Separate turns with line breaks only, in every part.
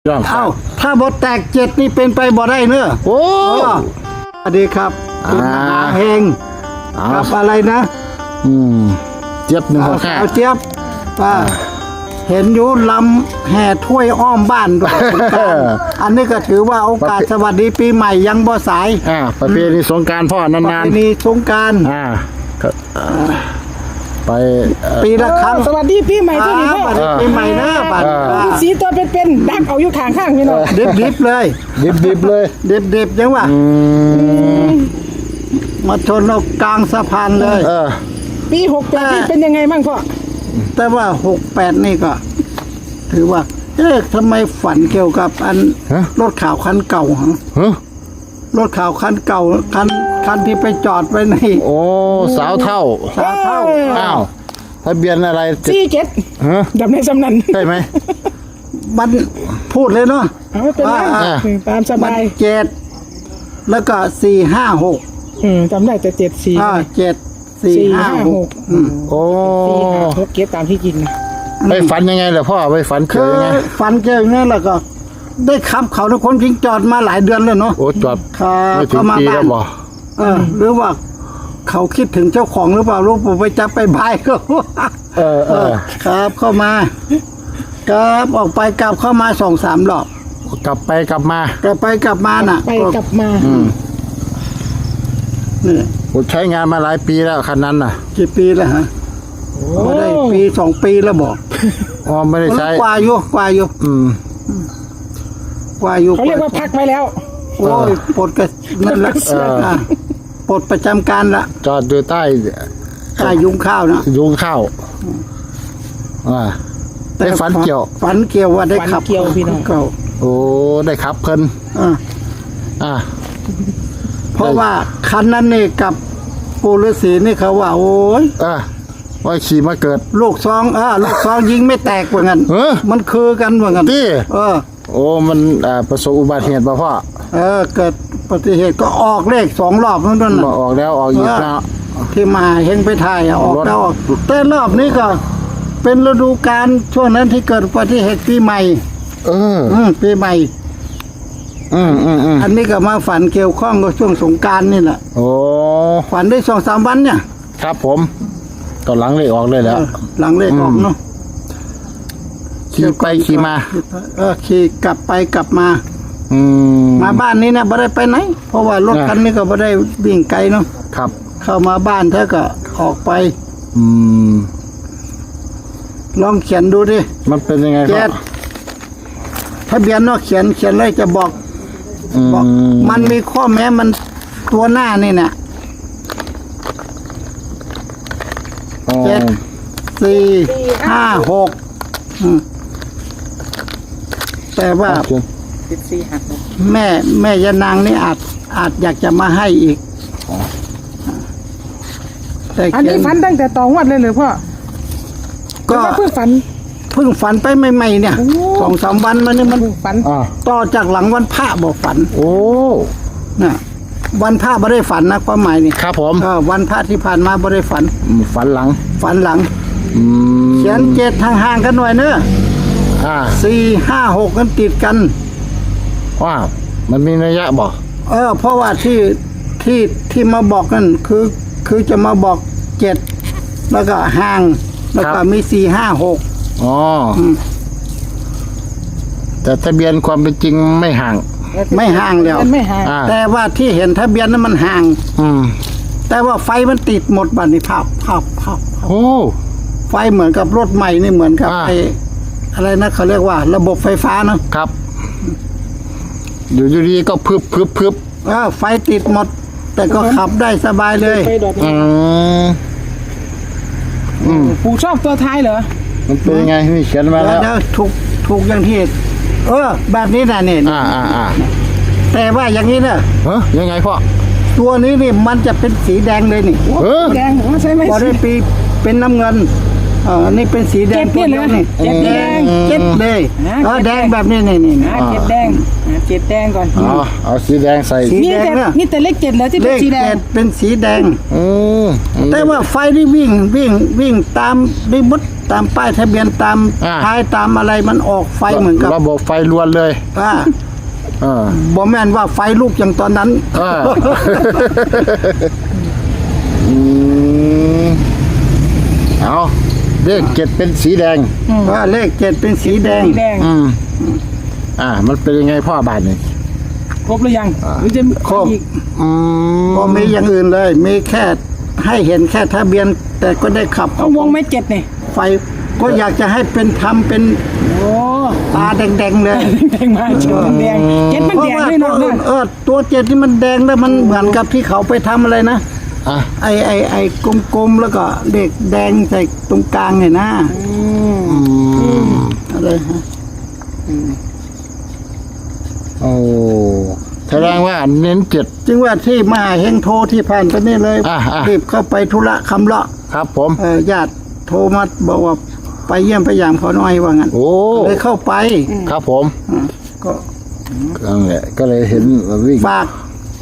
เอ้าถ้าบทแตกเจ็ดนี่เป็นไปบ่ได้เนอะ
โอ้
สวัสดีครับคุณมหาเฮงกับอะไรนะ
เจี๊ยบหนึ่งของข้า
เอาเจี๊ยบเห็นอยู่ลำแห่ถ้วยอ้อมบ้านด้วยอันนี้ก็ถือว่าโอกาสสวัสดีปีใหม่ยังบ่สาย
ประเพณีสงกรานต์พ่อนานๆ
ประเพณีสงกรานต์
ไป
ปีละครั้ง
สวัสดีปีใหม่ที่นี่พ่อ
ปีใหม่นะบัด
สีตัวเป็นดักเอาอยู่ข้างพี่น้อง
ดิบเลย
ดิบเลย
ดิบจังวะมาชนเรากลางสะพานเลย
ปี68นี่เป็นยังไงบ้างพ่อ
แต่ว่า68นี่ก็ถือว่าทำไมฝันเกี่ยวกับอันรถข่าวคันเก่าฮะรถข่าวคันเก่าคันที่ไปจอดไว้ใน
โอ้สาวเท่าอ้าวทะเบียนอะไร
47จำในสำนัน
ใช่ไหม
มันพูดเลยเนาะ
เป็นตามสบาย
7แล้วก็456
จำได้แต่
7 4 5 6
โอ้
4 5 6เก็บตามที่จริงนะ
ไปฝันยังไงล่ะพ่อไปฝันเกี่ยวยังไง
ฝันเกี่ยวยังไงแล้วก็ได้ขับเขาทุกคนทิ้งจอดมาหลายเดือนเลยเนาะ
โอ้จอดไม่ถึงปีแล้วบ่
หรือว่าเขาคิดถึงเจ้าของหรือเปล่าลูกผมไปจับไปบายก็ครับเข้ามาครับออกไปกลับเข้ามา2-3 รอบ
กลับไปกลับมา
น่ะ
ไปกลับมา
นี่
ผมใช้งานมาหลายปีแล้วคันนั้นน่ะ
กี่ปีแล้วฮะไม่ได้ปี2 ปีแล้วบอก
ไม่ได้ใช้
กว่าอยู่กว่าอยู่
เขาเรียกว่าพักไว้แล้ว
โอ้ยปลดกันนั่นแหละปลดประจำการละ
จอดอยู่ใต้
ยุงข้าวนะ
ยุงข้าวได้ฝันเกี่ยว
ว่าได้ขับ
เกี่ยวพี่น้อง
โอ้ได้ขับเพิ่น
เพราะว่าคันนั้นนี่กับปู่ฤาษีนี่เขาว่าโอ้ย
ว่าขี่มาเกิด
ลูกซองยิงไม่แตกเหมือนกันมันคือกันเหมือนกัน
โอ้มันประสบอุบัติเหตุป่ะพ่อ
เกิดอุบัติเหตุก็ออกเลข2 รอบนั่นน่ะ
ออกแล้วออกอีกแล้ว
ที่มาเฮงไปถ่ายออกแล้วออกแต่รอบนี้ก็เป็นฤดูกาลช่วงนั้นที่เกิดอุบัติเหตุปีใหม่ปีใหม่อันนี้ก็มาฝันเกี่ยวข้องกับช่วงสงกรานต์นี่แหละ
โอ้
ฝันได้2-3 วันเนี่ย
ครับผมตอนหลังเลขออกเลยแล้ว
หลังเลขออกเนาะ
ขี่ไปขี่มา
ขี่กลับไปกลับมามาบ้านนี้นะไม่ได้ไปไหนเพราะว่ารถคันนี้ก็ไม่ได้วิ่งไกลเนาะ
ครับ
เข้ามาบ้านเธอก็ออกไปลองเขียนดูดิ
มันเป็นยังไงครับ
ทะเบียนเนาะเขียนเลยจะบอกมันมีข้อแม้มันตัวหน้านี่เนี่ย7 4 5 6แต่ว่าแม่ยานางนี่อาจอยากจะมาให้อีก
แต่อันนี้ฝันตั้งแต่ตอนวัดเลยหรือพ่อก็เพิ่ง
ฝันไปใหม่ๆเนี่ย2-3 วันมานี่มัน
ฝัน
ต่อจากหลังวันพระบอกฝัน
โอ้
น่ะวันพระไม่ได้ฝันนะความหมายนี่
ครับผม
วันพระที่ผ่านมาไม่ได้ฝัน
หลัง
เขียน7ห่างๆกันหน่อยเนอะ4 5 6กันติดกัน
ว่ามันมีนัยยะบอก
เพราะว่าที่มาบอกนั่นคือจะมาบอก7แล้วก็ห่างแล้วก็มี4 5 6
แต่ทะเบียนความเป็นจริงไม่ห่าง
แล้วแต่ว่าที่เห็นทะเบียนนั้นมันห่างแต่ว่าไฟมันติดหมดบัดนี้ภาพ
โอ้
ไฟเหมือนกับรถใหม่นี่เหมือนกับอะไรนะเขาเรียกว่าระบบไฟฟ้าเนาะ
ครับอยู่ดีก็พึบ
ไฟติดหมดแต่ก็ขับได้สบายเลย
ปู่ชอบตัวท้ายเหรอ
มันเป็นยังไงนี่เขียนมาแล้ว
ถูกอย่างที่แบบนี้นะเนี่ยแต่ว่าอย่างนี้นะ
ยังไงพ่อ
ตัวนี้นี่มันจะเป็นสีแดงเลยนี่
แดงใช่ไหม
พอได้ปีเป็นน้ำเงินนี่เป็นสีแดง
ตัวนี้นี่
เจ็ดเลยแดงแบบนี้นี่
เจ็ดแดงก่อน
เอาสีแดงใส่
นี่แต่เลข7แล้วที่เป็นสีแดง
เป็นสีแดงแต่ว่าไฟนี่วิ่งตามได้บดตามป้ายทะเบียนตามท้ายตามอะไรมันออกไฟเหมือนกับ
ระบบไฟล้วนเลย
บ่แม่นว่าไฟลุกอย่างตอนนั้น
เอาเลขเจ็ดเป็นสีแดง
เลข7เป็นสีแดง
สีแดง
มันเป็นยังไงพ่อบาทนี่
ครบหรือยังหรือจะ
ครบ
อีก
บ่มีอย่างอื่นเลย มีแค่ให้เห็นแค่ทะเบียน แต่ก็ได้ขับ
เอาวงไม่7เนี่ย
ไฟก็อยากจะให้เป็นทำเป็น
โอ้
ตาแดงๆเลย
แดงมาเจ็ดมันแดงเจ็ดมัน
เพ
แด
ราะ
ง
ว่า
เลย
ตัว
เนาะ
อื่นตัว7ที่มันแดงแล้วมันเหมือนกับที่เขาไปทำอะไรนะ ไอ้กลมๆแล้วก็เด็กแดงใส่ตรงกลางไงนะอะไรฮะ
โอ้แสดงว่าเน้นเจ็ด
จึงว่าที่มหาเฮงโทรที่ผ่านไปนี่เลย รีบเข้าไปธุระคำเลาะ
ครับผม
ญาติโทรมาบอกว่าไปเยี่ยมไปยามเขาหน่อยว่างั้น
โอ้
เลยเข้าไป
ครับผม
ก็
นั่นแหละก็เลยเห็นวิ่ง
ฝาก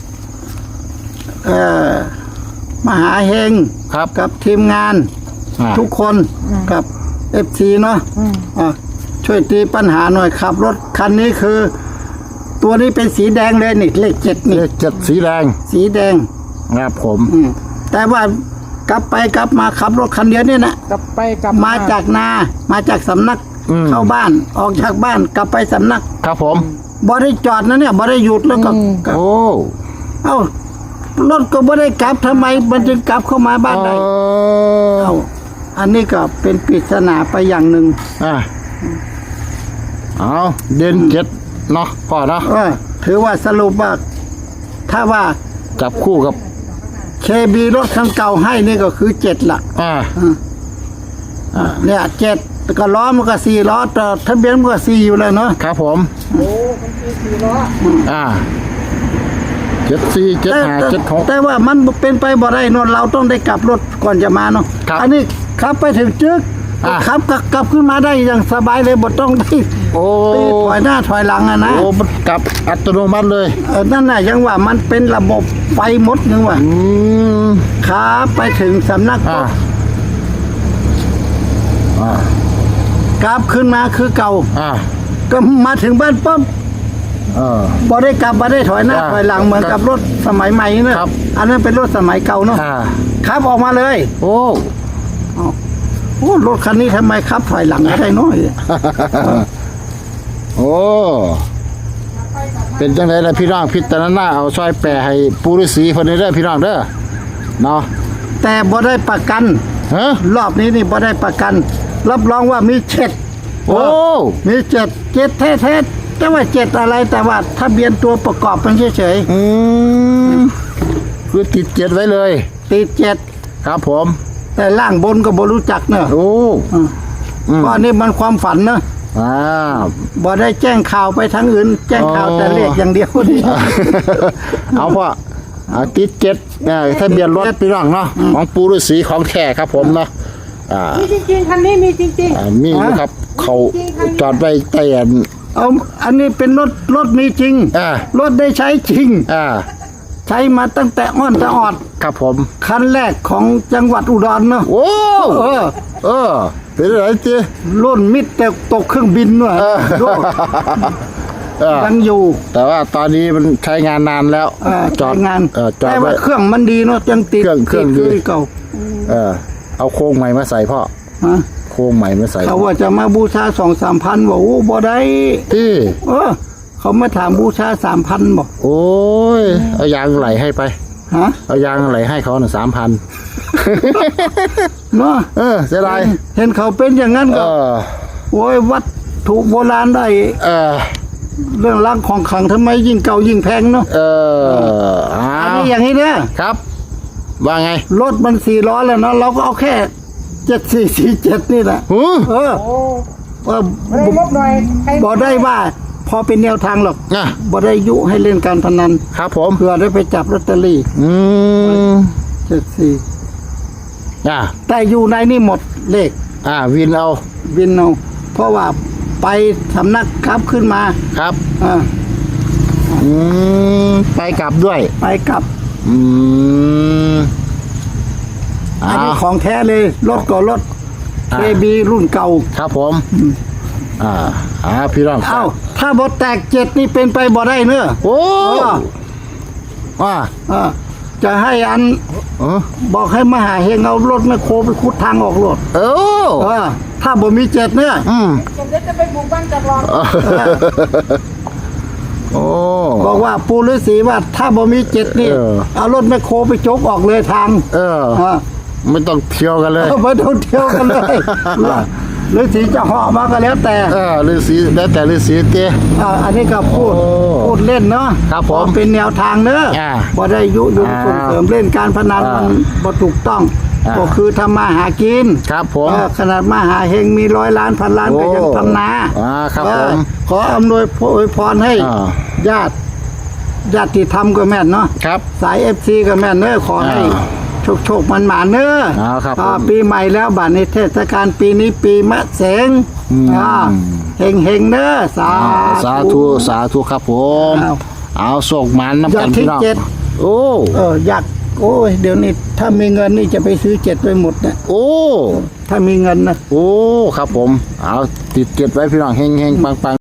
มหาเฮง
ครับ
กับทีมงาน ทุกคนกับFCเนาะช่วยตีปัญหาหน่อยขับ รถคันนี้คือ ตัวนี้เป็นสีแดงเลยนี่เลข7นี่
เลขเจ็ดสีแดง
สีแดง
ครับผม
แต่ว่ากลับไปกลับมาขับรถคันเดียวเนี่ยนะ
กลับไปกลับ
มาจากนามาจากสำนักเข้าบ้านออกจากบ้านกลับไปสำนัก
ครับผม
บ่ได้จอดนะเนี่ยบ่ได้หยุดแล้วก็
โอ้
เอ้ารถก็บ่ได้กลับทำไมมันจึงกลับเข้ามาบ้านได้เอ้าอันนี้ก็เป็นปริศนาไปอย่างหนึ่ง
เอาเด่นเจ็ดเนาะพ่อเนาะ
ถือว่าสรุปว่าถ้าว่า
จับคู่กับ
เคบีรถคันเก่าให้นี่ก็คือ7ล่ะเนี่ย7ก็ล้อมันก็4ล้อแต่ทะเบียนมันก็4อยู่แล้วเนาะ
ครับผม
โอ้มันคือ4ล้อ
เจ็ดสี่เจ็ดห้าเจ็ดหก
แต่ว่ามันเป็นไปบ่ได้เนอะเราต้องได้กลับรถก่อนจะมาเนาะ
ครับ
อันนี้ขับไปถึงจึกขับกลับขึ้นมาได้อย่างสบายเลยบ่ต้องที่
โอ้
ตีถอยหน้าถอยหลังอะนะ
โอ้มันกลับอัตโนมัติเลย
นั่นน่ะยังว่ามันเป็นระบบไฟหมดนึงว่าขาไปถึงสำนักก็กลับขึ้นมาคือเก่าก็มาถึงบ้านปั๊บบ่ได้กลับบ่ได้ถอยหน้าถอยหลังเหมือนกับรถสมัยใหม่เนอะอันนั้นเป็นรถสมัยเก่าเนาะขับออกมาเลย
โอ้
รถคันนี้ทำไมขับถอยหลังไม่ได้น้อย
โอ้เป็นจังไดล่ะพี่น้องพิจารณาเอาซอยแปรให้ปูฤาษีคนนี้เด้อพี่น้องเด้อเนาะ
แต่บ่ได้ประกัน รอบนี้นี่บ่ได้ประกัน รับรองว่ามี7
โอ้
มี7แท้ๆแต่ว่า7อะไรแต่ว่าทะเบียนตัวประกอบมันเฉย
คือติดเจ็ดไว้เลย
ๆติด7
ครับผม
แต่ล่างบนก็บ่รู้จักเนอะ
โอ้
ก็อันนี้มันความฝันเนอะบ่ได้แจ้งข่าวไปทางอื่น แจ้งข่าวแต่เลขอย่างเดียวนี่
เอาพ่อติดเจ็ดทะเบียนรถพี่น้องเนาะของปูฤาษีของแท้ครับผมเนาะ
มีจริงๆคันนี้มีจริง
มีอยู่ครับเขาจอดไว้ใต้
อันนี้เป็นรถมีจริงรถได้ใช้จริงใช้มาตั้งแต่อ้อนแต่ออด
ครับผม
คันแรกของจังหวัดอุดรเนาะ
โอ้เป็นอะไรจี
รุ่นมิดแต่ตกเครื่องบินด้วยยังอยู่
แต่ว่าตอนนี้มันใช้งานนานแล้ว
จอดงาน
จอด
แต่
ไว้
ว่าเครื่องมันดีเนาะยังติด
เครื่องดี
เก่า
เอาโครงใหม่มาใส่พ่อโครงใหม่มาใส่
เขาว่าจะมาบูชา2-3 พันบอกโอ้บ่ได้
ที่
เขามาถามบูชา3,000บอก
โอ้ยเอายางไหลให้ไปเอายางไหลให้เขาหน่ะ3,000
เนาะ
เสียดาย
เห็นเขาเป็นอย่างนั้นก็โอ้ยวัดถูกโบราณได้เรื่องรักของขลังทำไมยิ่งเก่ายิ่งแพงเนาะอันนี้อย่างนี้เนี่ย
ครับว่าไง
รถมัน4 ล้อแล้วเนาะเราก็เอาแค่7447นี่แหละ
ไม่งบหน่อย
บอกได้ว่าพอเป็นแนวทางหรอกบ่ได้ยุให้เล่นการพนัน
ครับผม
เพื่อได้ไปจับลอตเตอรี่74แต่อยู่ในนี่หมดเลข
วินเอา
เพราะว่าไปสำนักครับขึ้นมา
ครับไปกลับด้วย
ไปกลับอันนี้ของแท้เลยรถก็รถ KB รุ่นเก่า
ครับผมพี่น้อง
เอ้าถ้าบ่แตกเจ็ดนี่เป็นไปบ่ได้เนอะ
โอ้
เออจะให้อันบอกให้มหาเฮงเอารถแมคโครไปขุดทางออกรถถ้าบ่มีเจ็ดเนี่ย
จะไปบุกบ้านจากรอง
โอ้
บอกว่าปูฤาษีว่าถ้าบ่มีเจ็ดนี่เอารถแมคโครไปจกออกเลยทาง
ไม่ต้องเที่ยวกันเลย
ไม่ต้องเที่ยวกันเลยฤาษีจะเหาะมาก็แล้วแต่
ฤาษีแล้วแต่ฤาษีเต้
อันนี้ก็พูดเล่นเนาะ
ครับผม
เป็นแนวทางเนอะบ่ได้ยุยงส่งเสริมเล่นการพนันมันบ่ถูกต้องก็คือทำมาหากิน
ครับผม
ขนาดมหาเฮงมี100 ล้านพันล้านก็ยังทำนา
ครับผม
ขออำนวยพรให้ญาติธรรมก็แม่นเนาะ
ครับ
สาย FC ก็แม่นเนอะขอให้โชคมันหมาเนอะ
ครับ
ปีใหม่แล้วบัดนี้เทศกาลปีนี้ปีมะเสงเฮงเนอะสา
สาธุครับผมเอาส่งมันน้ำกันพี่น้องโอ้
อยากโอ้ยเดี๋ยวนี้ถ้ามีเงินนี่จะไปซื้อ7ไปหมดเนี่ย
โอ้
ถ้ามีเงินนะ
โอ้ครับผมเอาติดเก็บไว้พี่น้องเฮงปัง